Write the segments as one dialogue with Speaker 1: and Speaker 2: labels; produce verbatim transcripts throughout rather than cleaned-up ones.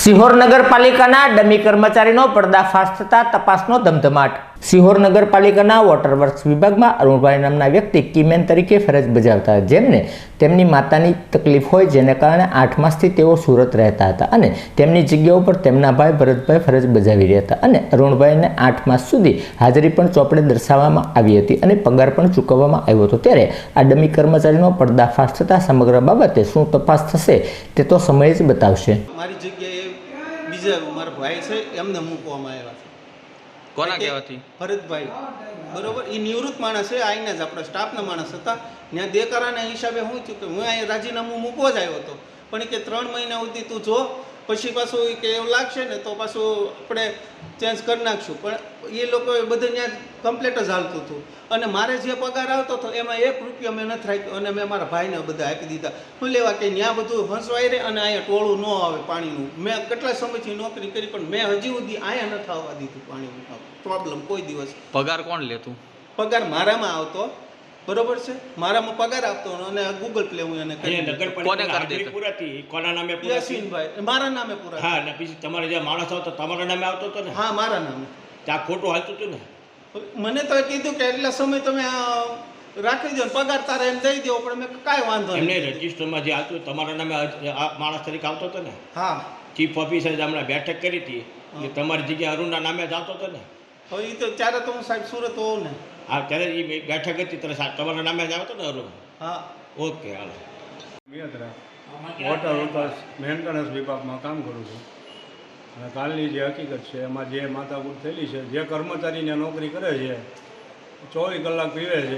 Speaker 1: સિહોર નગરપાલિકાના ડમી કર્મચારીનો પર્દાફાશ થતા તપાસનો ધમધમાટ। સિહોર નગરપાલિકાના વોટર વર્ક્સ વિભાગમાં અરુણભાઈ નામના વ્યક્તિ કીમેન તરીકે ફરજ બજાવતા, જેમને તેમની માતાની તકલીફ હોય, જેને કારણે આઠ માસથી તેઓ સુરત રહેતા હતા અને તેમની જગ્યા ઉપર તેમના ભાઈ ભરતભાઈ ફરજ બજાવી રહ્યા હતા અને અરુણભાઈને આઠ માસ સુધી હાજરી પણ ચોપડે દર્શાવવામાં આવી હતી અને પગાર પણ ચૂકવવામાં આવ્યો હતો। ત્યારે આ ડમી કર્મચારીનો પર્દાફાશ થતા સમગ્ર બાબતે શું તપાસ થશે તે તો સમય જ બતાવશે।
Speaker 2: મારી જગ્યાએ બીજા મારા ભાઈ છે એમને મૂકવામાં આવ્યા છે।
Speaker 3: કોના કહેવાથી?
Speaker 2: ભરતભાઈ, બરોબર, એ નિવૃત્ત માણસ છે, આઈને જ આપણા સ્ટાફના માણસ હતા। ત્યાં દેકારાના હિસાબે હું થયું કે હું અહીં રાજીનામું મૂકવો જ આવ્યો હતો, પણ કે ત્રણ મહિના સુધી તું જો, પછી પાછું કે એવું લાગશે ને તો પાછું આપણે ચેન્જ કરી નાખશું। પણ એ લોકોએ બધું ત્યાં કમ્પ્લીટ જ હાલતું હતું અને મારે જે પગાર આવતો હતો એમાં એક રૂપિયા મેં નથી રાખ્યો અને મેં મારા ભાઈને બધા આપી દીધા। શું લેવા કે ત્યાં બધું ફસવાઈ રહે અને અહીંયા ટોળું ન આવે પાણીનું। મેં કેટલા સમયથી નોકરી કરી પણ મેં હજી સુધી અહીંયા નથી આવવા દીધું પાણીનું પ્રોબ્લેમ કોઈ દિવસ।
Speaker 3: પગાર કોણ લેતું?
Speaker 2: પગાર મારામાં આવતો, બરોબર છે, મારામાં પગાર આપતો અને ગૂગલ પ્લે હું એને કરી
Speaker 3: કોને કરી દેતો?
Speaker 4: પૂરાતી કોના નામે પૂરાતી?
Speaker 2: યાસીનભાઈ મારા નામે પૂરા।
Speaker 4: હા, ને પછી તમારે જે માણસ આવતો તમારા નામે આવતો હતો ને?
Speaker 2: હા, મારા નામે।
Speaker 4: ત્યાં ખોટું હાલતું હતું ને?
Speaker 2: મને તો કીધું કે એટલા સમય તમે રાખી દો, પગાર તારે એમ દઈ દો, પણ મેં કાંઈ વાંધો
Speaker 4: એમને
Speaker 2: નહીં।
Speaker 4: રજિસ્ટરમાં જે આવતું તમારા નામે આ માણસ તરીકે આવતો હતો ને?
Speaker 2: હા,
Speaker 4: ચીફ ઓફિસરે હમણાં બેઠક કરી હતી કે તમારી જગ્યાએ અરુણના નામે જ આવતો હતો ને?
Speaker 2: હવે એ તો ત્યારે તો હું સાહેબ સુરત હોઉં ને।
Speaker 4: હા, ત્યારે એ બેઠક હતી ત્યારે સા- તમારા નામે જ આવતો ને અરુણ?
Speaker 2: હા,
Speaker 4: ઓકે, હાલો।
Speaker 5: મિયાત્રા વોટર વર્કર્સ મેન્ટેનન્સ વિભાગમાં કામ કરું છું અને કાલની જે હકીકત છે એમાં જે માથાકૂટ થયેલી છે, જે કર્મચારીને નોકરી કરે છે ચોવીસ કલાક પીવે છે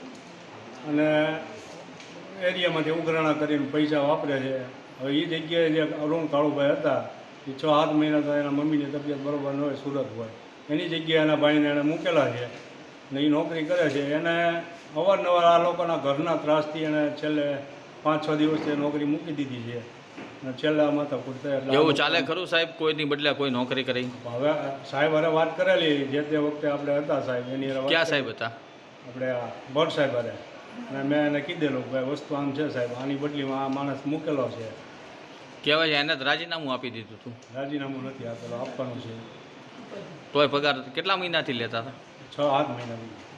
Speaker 5: અને એરિયામાંથી ઉઘરાણા કરીને પૈસા વાપરે છે। હવે એ જગ્યાએ જે અરુણ કાળુભાઈ હતા એ છ સાત મહિના તો એના મમ્મીની તબિયત બરાબર ન હોય, સુરત હોય, એની જગ્યાએ એના ભાઈને એણે મૂકેલા છે ને એ નોકરી કરે છે। એને અવારનવાર આ લોકોના ઘરના ત્રાસથી એને છેલ્લે પાંચ છ દિવસથી નોકરી મૂકી દીધી છે અને છેલ્લે આ માથાકૂટ થાય એટલે
Speaker 3: એવું ચાલે ખરું સાહેબ? કોઈની બદલે કોઈ નોકરી કરી?
Speaker 5: હવે સાહેબ હારે વાત કરેલી, જે તે વખતે આપણે હતા સાહેબ એની હારે વાત
Speaker 3: ક્યાં
Speaker 5: કરી.
Speaker 3: સાહેબ હતા?
Speaker 5: આપણે આ ભટ્ટ સાહેબ હારે, અને મેં એને કીધેલું કે ભાઈ વસ્તુ આમ છે સાહેબ, આની બદલીમાં આ માણસ મૂકેલો છે।
Speaker 3: કહેવાય એને જ રાજીનામું આપી દીધું હતું?
Speaker 5: રાજીનામું નથી આપેલું, આપવાનું છે।
Speaker 3: તોય પગાર કેટલા મહિનાથી લેતા હતા?
Speaker 5: છ સાત મહિનાથી